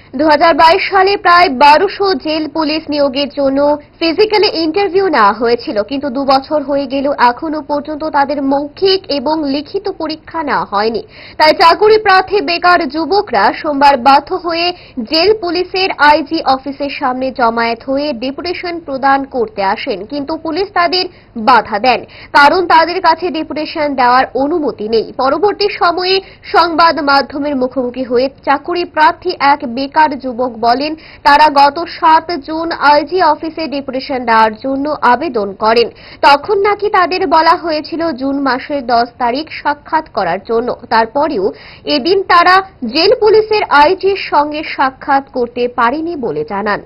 2022 সালে প্রায় 1200 jail police নিয়োগের জন্য ফিজিক্যালি ইন্টারভিউ নেওয়া হয়েছিল, কিন্তু 2 বছর হয়ে গেলেও এখনো পর্যন্ত তাদের মৌখিক এবং লিখিত পরীক্ষা নেওয়া হয়নি। তাই চাকুরি প্রার্থী বেকার যুবকরা সোমবার বাধ্য হয়ে জেল পুলিশের আইজি অফিসের সামনে জমায়েত হয়ে ডেপুটেশন প্রদান করতে আসেন, কিন্তু পুলিশ তাদের বাধা দেন, কারণ তাদের কাছে ডেপুটেশন দেওয়ার অনুমতি নেই। পরবর্তী সময়ে সংবাদ মাধ্যমের মুখোমুখি হয়ে চাকুরি প্রার্থী এক বেকার যুবক বলেন, তারা গত 7 জুন আইজি অফিসে ডেপুটেশন দেওয়ার জন্য আবেদন করেন। তখন নাকি তাদের বলা হয়েছিল জুন মাসের 10 তারিখ সাক্ষাৎ করার জন্য। তারপরেও এদিন তারা জেল পুলিশের আইজির সঙ্গে সাক্ষাৎ করতে পারেনি বলে জানান।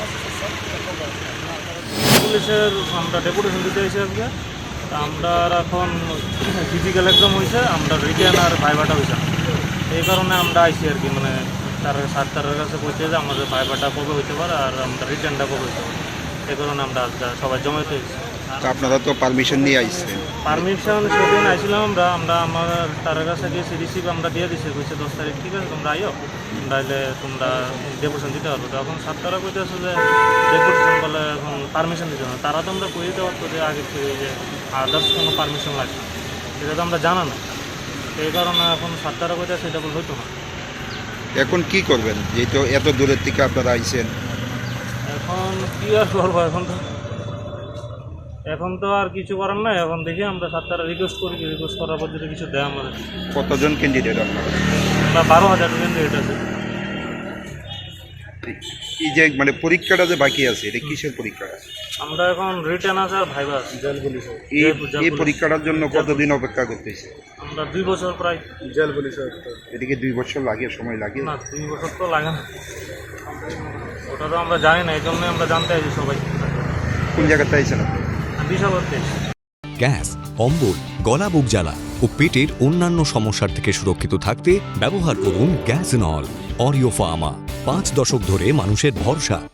পুলিশের আমরা ডেপুটেশন দিতে এসে আজকে আমরা এখন ফিজিক্যাল এক্সাম হয়েছে, আমরা রিটেন আর ভাইভাটা হয়েছে, এই কারণে আমরা আইসি আর কি। মানে তার স্যারের কাছে বলছে যে আমাদের ভাইভাটা কবে হইতে পারে আর আমরা রিটেনটা কবে হইতে পারে, এই কারণে আমরা সবাই জমায়েত হয়েছি। আপনারা তো পারমিশন নিয়ে আইসছেন? পারমিশন সেদিন আইছিলাম আমরা আমার তার কাছে গিয়েছি, রিসিভ আমরা দিয়ে দিচ্ছি, বলছে 10 তারিখ ঠিক আছে তোমরা আইও, তাইলে তোমরা ডেপুটেশন দিতে পারবো। তো এখন ছাত্ররা কইতেছে যে ডেপুটেশন বলে এখন পারমিশন দিতে না, তারা তো আমরা কই দিতে পারতো যে আগে থেকে যে আদার্স কোনো পারমিশন লাগবে, সেটা তো আমরা জানা না, এই কারণে এখন ছাত্ররা কইতেছে এটা বলে হইতো না। এখন কি করবেন, যেহেতু এত দূরের থেকে আপনারা আইছেন? এখন কি আর করবো, এখন তো আর কিছু করার নাই। এখন দেখি আমরা ছাত্ররা রিকোয়েস্ট করি, রিকোয়েস্ট করার পর যদি কিছু দেয় আমাদের। কতজন ক্যান্ডিডেট আপনারা? আমরা 12,000 ক্যান্ডিডেট আছে। এই যে মানে পরীক্ষাটা যে বাকি আছে, এটা কিসের পরীক্ষা? আমরা এখন রিটেন আছে আর ভাইবা আছে জেল পুলিশে। এই পরীক্ষাটার জন্য কতদিন অপেক্ষা করতেছে? আমরা 2 বছর প্রায় জেল পুলিশে। এদিকে 2 বছর লাগে, সময় লাগে না? 2 বছর তো লাগে না, ওটা তো আমরা জানি না, এই জন্যই আমরা জানতে চাইছি সবাই। কোন জায়গাতে আইছেন আপনি? গ্যাস, অম্বল, গলা বুক জ্বালা ও পেটের অন্যান্য সমস্যার থেকে সুরক্ষিত থাকতে ব্যবহার করুন গ্যাসনল। অরিও ফার্মা, 5 দশক ধরে মানুষের ভরসা।